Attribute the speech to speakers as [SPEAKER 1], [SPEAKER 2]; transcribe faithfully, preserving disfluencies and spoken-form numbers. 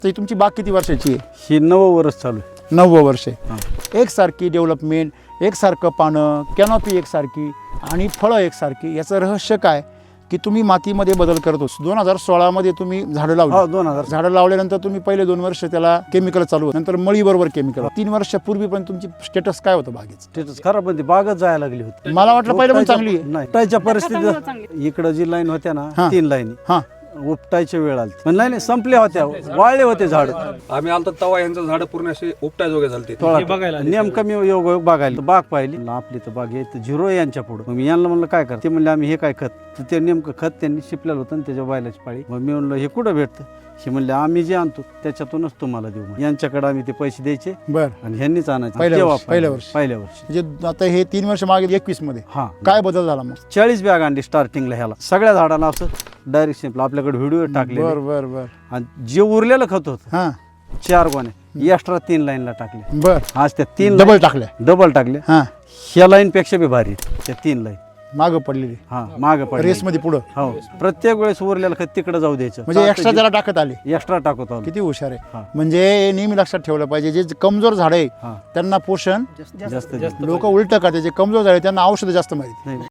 [SPEAKER 1] तर तुमची बाग किती वर्षाची आहे?
[SPEAKER 2] ही नऊ वर्ष चालू आहे.
[SPEAKER 1] नव्वद वर्षे. एकसारखी डेव्हलपमेंट, एकसारखं पानं, कॅनॉपी एकसारखी आणि फळं एकसारखी. याचं रहस्य काय की तुम्ही मातीमध्ये बदल करतोस. दोन हजार सोळामध्ये तुम्ही झाडं
[SPEAKER 2] हो
[SPEAKER 1] लावली.
[SPEAKER 2] दोन हजार
[SPEAKER 1] झाडं लावल्यानंतर तुम्ही पहिले दोन वर्ष त्याला केमिकल चालू होतं, नंतर मळीबरोबर केमिकल. तीन वर्षापूर्वी पण तुमची स्टेटस काय होतं बागेचं?
[SPEAKER 2] स्टेटस खराब होती, बागच जायला लागली होती.
[SPEAKER 1] मला वाटलं पहिलं पण चांगली आहे.
[SPEAKER 2] नाही उपटायच्या परिस्थितीत इकडं जी लाईन होत्या ना
[SPEAKER 1] हा.
[SPEAKER 2] तीन लाईन
[SPEAKER 1] हां
[SPEAKER 2] उपटायच्या वेळ आली पण नाही नाही संपल्या होत्या, वाळले होते झाड.
[SPEAKER 3] आम्ही आलतो तवा यांचं झाड पूर्ण असे उपटायजोगे झालते.
[SPEAKER 2] नेमकं मी योग योग बघायला बाग पाहिली. आपली तर बाग आहे झिरो आहे यांच्या पुढे. मग मी यांना म्हणलं काय कर, ते म्हणले आम्ही हे काय खत. तर ते नेमकं खत त्यांनी शिपलेलं होतं आणि त्याच्या बैलाची पाळी. मग मी म्हणलं हे कुठं भेटतं? हे म्हणले आम्ही जे आणतो त्याच्यातूनच तुम्हाला देऊ. मग यांच्याकडे आम्ही ते पैसे द्यायचे
[SPEAKER 1] बर.
[SPEAKER 2] आणि ह्यांनीच आणायचे.
[SPEAKER 1] पहिल्या
[SPEAKER 2] तेव्हा
[SPEAKER 1] वर्षी- पहिल्या वर्षी.
[SPEAKER 2] पहिल्या वर्षी
[SPEAKER 1] म्हणजे आता हे तीन वर्ष मागे एकवीस मध्ये
[SPEAKER 2] हा
[SPEAKER 1] काय बदल झाला मग?
[SPEAKER 2] चाळीस बॅग आणली स्टार्टिंगला ह्याला. सगळ्या झाडांना असं डायरेक्ट सिंपल आपल्याकडे व्हिडिओ टाकले
[SPEAKER 1] बर बर बर.
[SPEAKER 2] आणि जे उरलेलं खत होतं
[SPEAKER 1] हां
[SPEAKER 2] चार गोण्या एक्स्ट्रा तीन लाईनला टाकले.
[SPEAKER 1] बर.
[SPEAKER 2] आज त्या तीन
[SPEAKER 1] डबल टाकल्या.
[SPEAKER 2] डबल टाकले.
[SPEAKER 1] हां
[SPEAKER 2] ह्या लाईन पेक्षा बी भारी त्या तीन लाईन
[SPEAKER 1] मागं पडलेली
[SPEAKER 2] हा माग पडले.
[SPEAKER 1] रेस मध्ये पुढं.
[SPEAKER 2] हो प्रत्येक वेळेस उरलेलं खत तिकडे जाऊ द्यायचं.
[SPEAKER 1] म्हणजे एक्स्ट्रा त्याला टाकत आले.
[SPEAKER 2] एक्स्ट्रा टाकत आलो.
[SPEAKER 1] किती हुशार आहे.
[SPEAKER 2] हा.
[SPEAKER 1] म्हणजे हे नेहमी लक्षात ठेवलं पाहिजे, जे कमजोर झाड आहे
[SPEAKER 2] हा
[SPEAKER 1] त्यांना पोषण
[SPEAKER 2] जास्त
[SPEAKER 1] लोक उलट का, जे कमजोर झाड आहे त्यांना औषध जास्त माहिती.
[SPEAKER 2] नाही